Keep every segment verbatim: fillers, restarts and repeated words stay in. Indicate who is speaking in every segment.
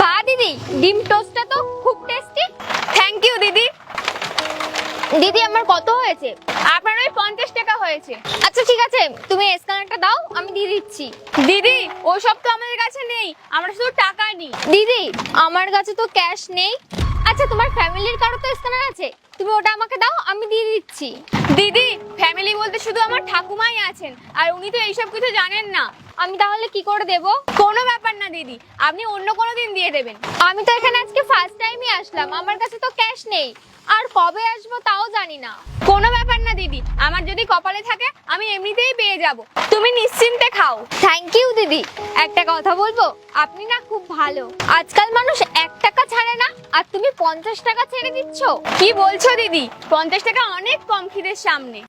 Speaker 1: বাহ দিদি, ডিম টোস্টটা তো খুব টেস্টি। থ্যাংক ইউ দিদি। দিদি আমার কত হয়েছে? আপনার ওই পঞ্চাশ টাকা হয়েছে। আচ্ছা ঠিক আছে, তুমি স্ক্যানারটা দাও, আমি দিয়ে দিচ্ছি। দিদি ওসব তো আমাদের কাছে নেই, আমরা শুধু টাকা নিই। দিদি আমার কাছে তো ক্যাশ নেই। আচ্ছা তোমার ফ্যামিলির কারো তো স্ক্যানার আছে, তুমি ওটা আমাকে দাও, আমি দিয়ে দিচ্ছি। দিদি ফ্যামিলি বলতে শুধু আমার ঠাকুমাই আছেন, আর উনি তো এইসব কিছু জানেন না। আমি তাহলে কি করে দেব? কোনো ব্যাপার না দিদি, আপনি অন্য কোনো দিন দিয়ে দেবেন। আমি তো এখানে আজকে ফার্স্ট টাইমই আসলাম, আমার কাছে তো ক্যাশ নেই, আর কবে আসবো তাও জানি না। কোনো ব্যাপার না দিদি, আমার যদি কপালে থাকে আমি এমনিতেই পেয়ে যাব, তুমি নিশ্চিন্তে খাও। থ্যাংক ইউ দিদি। একটা কথা বলবো, আপনি না খুব ভালো। আজকাল মানুষ এক টাকা ছাড়ে না, আর তুমি পঞ্চাশ টাকা ছেড়ে দিচ্ছ। কি বলছো দিদি? পঞ্চাশ টাকা অনেক কম খিদের সামনে।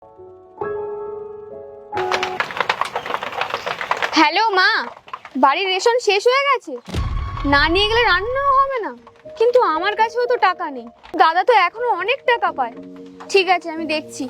Speaker 1: হ্যালো মা, বাড়ির রেশন শেষ হয়ে গেছে, না নিয়ে গেলে রান্নাও হবে না। কিন্তু আমার কাছেও তো টাকা নেই, দাদা তো এখনো অনেক টাকা পায়। ঠিক আছে আমি দেখছি।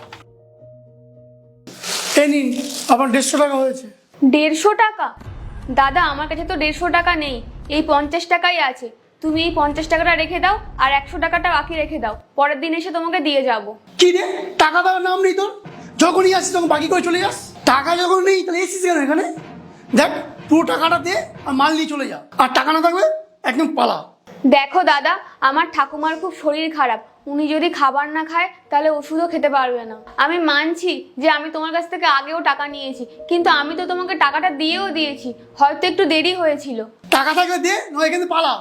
Speaker 2: এই নিন, আমার দেড়শো টাকা হয়েছে।
Speaker 1: দেড়শো টাকা? দাদা আমার কাছে তো দেড়শো টাকা নেই, এই পঞ্চাশ টাকাই আছে। তুমি এই পঞ্চাশ টাকাটা রেখে দাও, আর একশো টাকাটা বাকি রেখে দাও, পরের দিন এসে তোমাকে দিয়ে যাব।
Speaker 2: কি রে, টাকা দেওয়ার নাম নেই তোর? যখনই আসিস তখন বাকি করে চলে যাস। টাকা যখন নেই তাহলে এসিস কেন এখানে? দেখ, পুরো টাকাটা দে আর মাল নিয়ে চলে যা, আর টাকা না থাকলে একদম পালা।
Speaker 1: দেখো দাদা, আমার ঠাকুমার খুব শরীর খারাপ, উনি যদি খাবার না খায় তাহলে ওষুধও খেতে পারবে না। আমি মানছি যে আমি তোমার কাছ থেকে আগেও টাকা নিয়েছি, কিন্তু আমি তো তোমাকে টাকাটা দিয়েও দিয়েছি, হয়তো একটু দেরি হয়েছিল।
Speaker 2: টাকা থাকলে দে, নয় এখানে পালা।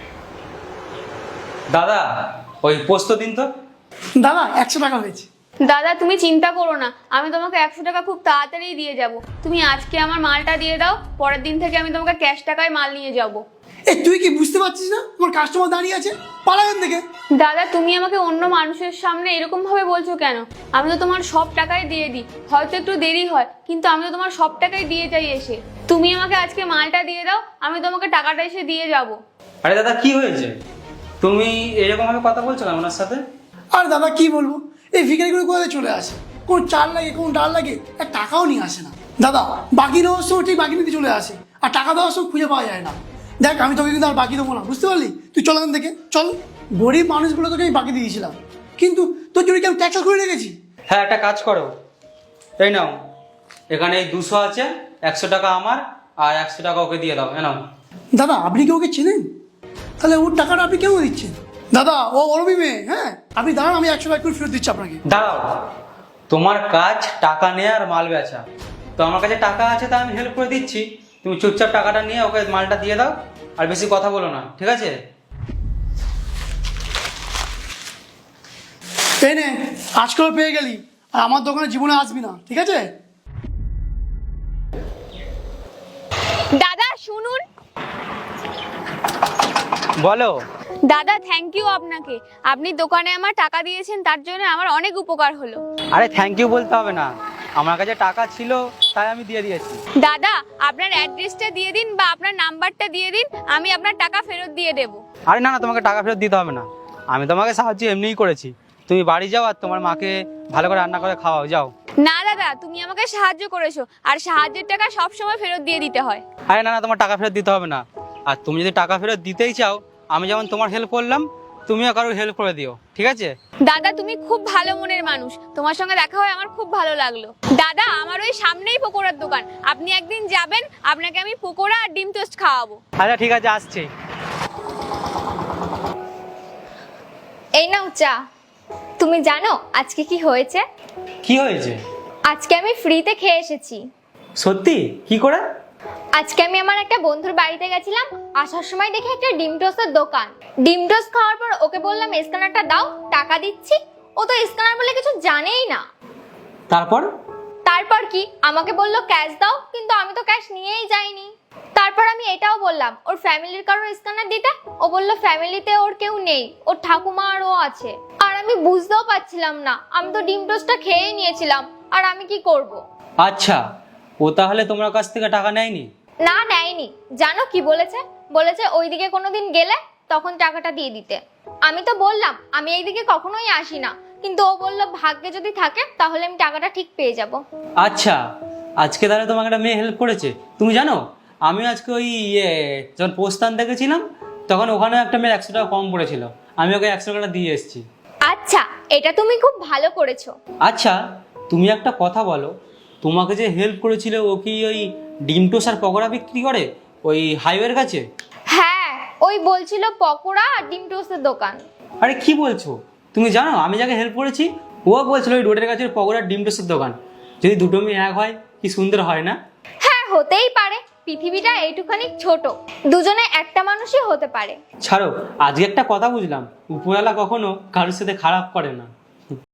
Speaker 3: দাদা ওই পোস্ত দিন তো।
Speaker 2: দাদা একশো টাকা হয়েছে।
Speaker 1: দাদা তুমি চিন্তা করো না, আমি তোমাকে একশো টাকা খুব তাড়াতাড়ি দিয়ে যাব। তুমি আজকে আমার মালটা দিয়ে দাও, পরের দিন থেকে আমি তোমাকে ক্যাশ টাকায় মাল নিয়ে যাব।
Speaker 2: এ তুই কি বুঝতে পারছিস না তোমার কাস্টমার দাঁড়িয়ে আছে? পালা এখান থেকে।
Speaker 1: দাদা তুমি আমাকে অন্য মানুষের সামনে এরকম ভাবে বলছো কেন? আমি তো তোমার সব টাকাই দিয়ে দিই, হয়তো একটু দেরি হয়, কিন্তু আমি তো তোমার সব টাকাই দিয়ে যাই এসে। তুমি আমাকে আজকে মালটা দিয়ে দাও, আমি তোমাকে টাকাটা এসে দিয়ে যাব।
Speaker 3: আরে দাদা কি হয়েছে, তুমি এরকম ভাবে কথা বলছো না ওনার সাথে?
Speaker 2: আর দাদা কি বলবো, এই ভিখারিগুলো কোথায় চলে আসে, কোন চাল লাগে কোন ডাল লাগে, এক টাকাও নিয়ে আসে না। দাদা বাকি দেওয়ার সময় ঠিক বাকি নিতে চলে আসে, আর টাকা দেওয়ার সময় খুঁজে পাওয়া যায় না। দেখ আমি তোকে কিন্তু আর বাকি দেবো না, বুঝতে পারলি? তুই চল এখান থেকে চল। গরিব মানুষগুলো তোকে আমি বাকি দিয়েছিলাম, কিন্তু তোর জন্য কি আমি ট্যাক্স করে রেখেছি?
Speaker 3: হ্যাঁ একটা কাজ করো, এই নাও, এখানে এই দুশো আছে, একশো টাকা আমার আর একশো টাকা ওকে দিয়ে দাও। এ নাও।
Speaker 2: দাদা আপনি কি ওকে চেনেন? তাহলে ওর টাকাটা আপনি কেন দিচ্ছেন? দাদা ও অরবি মেয়ে, হ্যাঁ আপনি দাঁড়ান, আমি একশো টাকা করে ফেরত দিচ্ছি আপনাকে।
Speaker 3: দাঁড়াও, তোমার কাজ টাকা নেওয়া আর মাল বেচা, তো আমার কাছে টাকা আছে তাই আমি হেল্প করে দিচ্ছি। তুমি চুপচাপ টাকাটা নিয়ে ওকে মালটা দিয়ে দাও, আর বেশি কথা বলো না, ঠিক আছে?
Speaker 2: এই নে, আজকাল পেয়ে গেলি, আর আমার দোকানে জীবনে আসবি না, ঠিক আছে?
Speaker 1: দাদা শুনুন।
Speaker 3: বলো।
Speaker 1: দাদা থ্যাংক ইউ আপনাকে, আপনি দোকানে আমার টাকা দিয়েছেন, তার জন্য আমার অনেক উপকার হলো।
Speaker 3: আরে থ্যাংক ইউ বলতে হবে না, আমার কাছে টাকা ছিল তাই আমি দিয়ে দিয়েছি।
Speaker 1: দাদা আপনার অ্যাড্রেসটা দিয়ে দিন বা আপনার নাম্বারটা দিয়ে দিন, আমি আপনার টাকা ফেরত দিয়ে দেব।
Speaker 3: আরে না না, তোমাকে টাকা ফেরত দিতে হবে না, আমি তোমাকে সাহায্য এমনিই করেছি। তুমি বাড়ি যাও আর তোমার মাকে ভালো করে রান্না করে খাওয়াও, যাও।
Speaker 1: না দাদা, তুমি আমাকে সাহায্য করেছো, আর সাহায্যের টাকা সব সময় ফেরত দিয়ে দিতে হয়।
Speaker 3: আরে না না, তোমার টাকা ফেরত দিতে হবে না, আর তুমি যদি টাকা ফেরত দিতেই চাও, আমি যেমন তোমার হেল্প করলাম তুমিও কারোর হেল্প করে দিও, ঠিক আছে?
Speaker 1: দাদা তুমি খুব ভালো মনের মানুষ, তোমার সঙ্গে দেখা হয়ে আমার খুব ভালো লাগলো। দাদা আমার ওই সামনেই পকোড়ার দোকান, আপনি একদিন যাবেন, আপনাকে আমি পকোড়া আর ডিম টোস্ট খাওয়াবো।
Speaker 3: আচ্ছা ঠিক আছে, আসছি।
Speaker 1: এই নাও চা। তুমি জানো আজকে কি হয়েছে?
Speaker 3: কি হয়েছে?
Speaker 1: আজকে আমি ফ্রিতে খেয়ে এসেছি।
Speaker 3: সত্যি? কি করে?
Speaker 1: আজকে আমি আমার একটা বন্ধুর বাড়িতে গেছিলাম, আসার সময় দেখি একটা ডিম টোস্টের দোকান। ডিম টোস্ট খাওয়ার পর ওকে বললাম স্ক্যানারটা দাও, টাকা দিচ্ছি। ও তো স্ক্যানার বলে কিছু জানেই না।
Speaker 3: তারপর?
Speaker 1: তারপর কি, আমাকে বললো ক্যাশ দাও, কিন্তু আমি তো ক্যাশ নিয়েই যাইনি। তারপর আমি এটাও বললাম ওর ফ্যামিলির কারোর স্ক্যানার দিতে, ও বললো ফ্যামিলিতে ওর কেউ নেই, ওর ঠাকুমা আর ও আছে। আর আমি বুঝতেও পারছিলাম না, আমি তো ডিম টোস্টটা খেয়েই নিয়েছিলাম, আর আমি কি করব?
Speaker 3: আচ্ছা, ও তাহলে তোমার কাছ থেকে টাকা নেয়নি?
Speaker 1: না নেয়নি। জানো কি বলেছে? বলেছে ওইদিকে কোনোদিন গেলে তখন টাকাটা দিয়ে দিতে। আমি তো বললাম আমি এইদিকে কখনোই আসি না, কিন্তু ও বললো ভাগ্যে যদি থাকে তাহলে আমি টাকাটা ঠিক পেয়ে যাব।
Speaker 3: আচ্ছা, আজকে তাহলে তোমাকে একটা মেয়ে হেল্প করেছে। তুমি জানো আমি আজকে ওই ইয়ে যখন পোস্ট আনতে গেছিলাম তখন ওখানে একটা মেয়ের একশো টাকা কম পড়েছিল, আমি ওকে একশো টাকা দিয়ে এসেছি।
Speaker 1: আচ্ছা, এটা তুমি খুব ভালো করেছো।
Speaker 3: আচ্ছা তুমি একটা কথা বলো, তোমাকে যে হেল্প করেছিল ও কি ওই ডিম টোস্ট আর পকোড়া বিক্রি করে ওই হাইওয়ের কাছে?
Speaker 1: হ্যাঁ, ওই বলছিল পকোড়া আর ডিম টোস্টের দোকান।
Speaker 3: আরে কি বলছো, তুমি জানো আমি যাকে হেল্প করেছি ও বলছিল ওই রোডের কাছে পকোড়া আর ডিম টোস্টের দোকান। যদি দুটো মেয়ে এক হয় কি সুন্দর হয় না?
Speaker 1: হ্যাঁ, হতেই পারে, পৃথিবীটা এইটুখানি ছোট, দুজনে একটা মানুষই হতে পারে।
Speaker 3: ছাড়ো, আজকে একটা কথা বুঝলাম, উপরওয়ালা কখনো কারোর সাথে খারাপ করে না।